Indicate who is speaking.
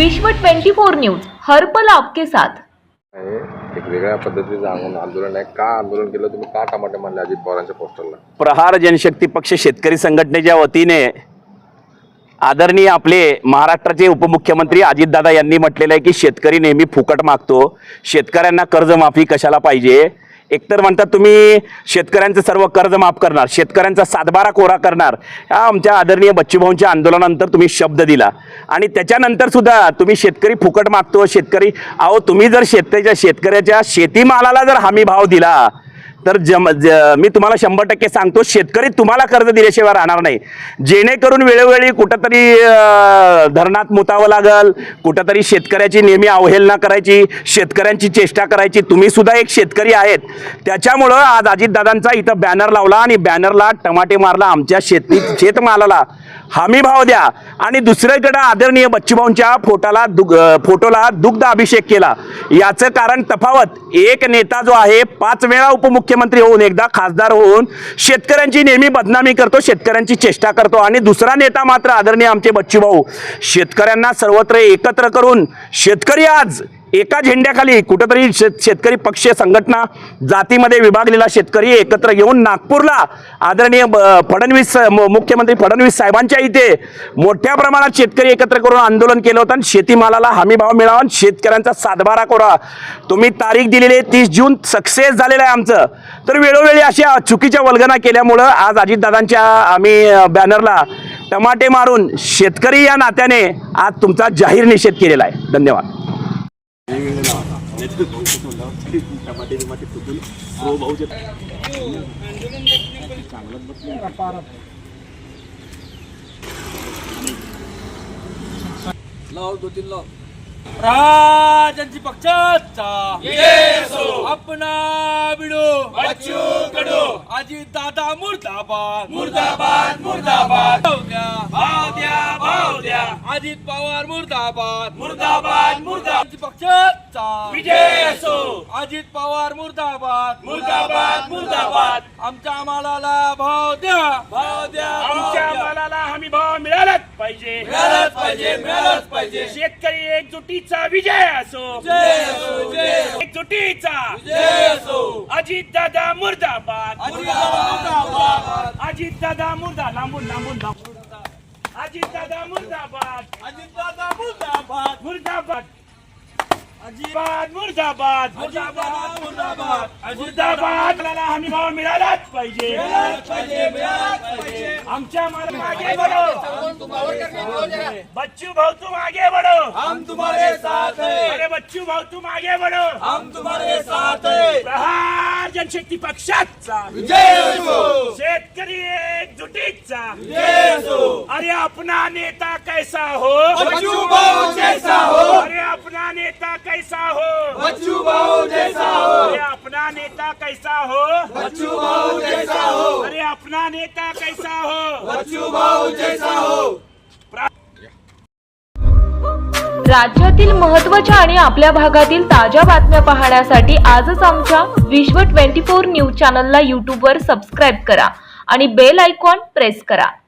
Speaker 1: विश्व 24 न्यूज हर पल आपके साथ।
Speaker 2: एक वेगळ्या पद्धतीचं आंदोलन आहे। का आंदोलन केलं तुम्ही? का टमाटे मारले अजित पवारांच्या पोस्टरला?
Speaker 3: प्रहार जनशक्ती पक्ष शेतकरी संघटनेच्या वतीने आदरणीय आपले महाराष्ट्राचे उपमुख्यमंत्री अजितदादा यांनी म्हटलेलं आहे की शेतकरी नेहमी फुकट मागतो, शेतकऱ्यांना कर्जमाफी कशाला पाहिजे। एकतर म्हणतात तुम्ही शेतकऱ्यांचं सर्व कर्ज माफ करणार, शेतकऱ्यांचा सातबारा कोरा करणार, हा आमच्या आदरणीय बच्चूभाऊंच्या आंदोलनानंतर तुम्ही शब्द दिला आणि त्याच्यानंतर सुद्धा तुम्ही शेतकरी फुकट मागतो, शेतकरी अहो तुम्ही जर शेतकऱ्याच्या शेतीमालाला जर हमी भाव दिला तर मी तुम्हाला 100% सांगतो शेतकरी तुम्हाला कर्ज दिल्याशिवाय राहणार नाही। जेणेकरून वेळोवेळी कुठंतरी धरणात मुतावं लागल, कुठंतरी शेतकऱ्याची नेहमी अवहेलना करायची, शेतकऱ्यांची चेष्टा करायची। तुम्ही सुद्धा एक शेतकरी आहेत, त्याच्यामुळं आज अजितदादांचा इथं बॅनर लावला आणि बॅनरला टमाटे मारला। आमच्या शेतमालाला हमी भाव द्या आणि दुसरीकडे आदरणीय बच्चूभाऊंच्या फोटोला दुग्ध अभिषेक केला। याचं कारण तफावत, एक नेता जो आहे 5 वेळा उपमुख्यमंत्री होऊन एकदा खासदार होऊन शेतकऱ्यांची नेहमी बदनामी करतो, शेतकऱ्यांची चेष्टा करतो आणि दुसरा नेता मात्र आदरणीय आमचे बच्चूभाऊ शेतकऱ्यांना सर्वत्र एकत्र करून शेतकरी आज एका झेंड्याखाली कुठेतरी शेतकरी पक्ष संघटना जातीमध्ये विभागलेला शेतकरी एकत्र घेऊन नागपूरला आदरणीय मुख्यमंत्री फडणवीस साहेबांच्या इथे मोठ्या प्रमाणात शेतकरी एकत्र करून आंदोलन केलं होतं आणि शेतीमालाला हमी भाव मिळावा आणि शेतकऱ्यांचा सातबारा कोरा। तुम्ही तारीख दिलेली 30 जून सक्सेस झालेलं आहे आमचं, तर वेळोवेळी अशा चुकीच्या वल्गना केल्यामुळं आज अजितदादांच्या आम्ही बॅनरला टमाटे मारून शेतकरी या नात्याने आज तुमचा जाहीर निषेध केलेला आहे। धन्यवाद।
Speaker 4: राजांची पक्षाचा अपना बिडो बच्चू कडो अजित दादा मुर्दाबाद मुर्दाबाद मुर्दाबाद भाव द्या अजित पवार मुर्दाबाद मुर्दाबाद मुर्दाबाद पक्षाचा विजय असो। अजित पवार मुर्दाबाद मुर्दाबाद मुर्दाबाद। आमच्या मालाला भाव द्या आमच्या मालाला हमी भाव मिळालाच पाहिजे मिळालाच पाहिजे। शेतकरी एकजुटीचा विजय असो एकजुटीचा विजय असो। अजित दादा मुर्दाबाद अजित दादा मुर्दाबाद लांबून अजित दादा मुर्दाबाद मुर्दाबाद अजिबात मुर्दाबाद मुर्दाबाद। हमी भाव मिळालाच पाहिजे आमच्या मागे बढ़ो बच्चू भाऊ तुम आगे बढ़ो हम तुम्हारे साथ हैं। अरे बच्चू भाऊ तुम आगे बढ़ो हम तुम्हारे साथ हैं। प्रहार जनशक्ती पक्षाचा विजय असो, शेतकरी एकजुटीचा विजय असो। अरे अपना नेता कैसा हो बच्चू भाऊ जैसा हो, अरे अपना नेता कैसा हो बच्चू भाऊ जैसा हो, अरे अपना नेता कैसा हो बच्चू भाऊ जैसा हो, अरे अपना नेता कैसा हो बच्चू भाऊ जैसा हो।
Speaker 1: राज्यातील महत्त्वाच्या आणि आपल्या भागातील ताज्या बातम्या पाहण्यासाठी आजच आमच्या विश्व 24 न्यूज चॅनलला YouTube वर सबस्क्राईब करा आणि बेल आयकॉन प्रेस करा।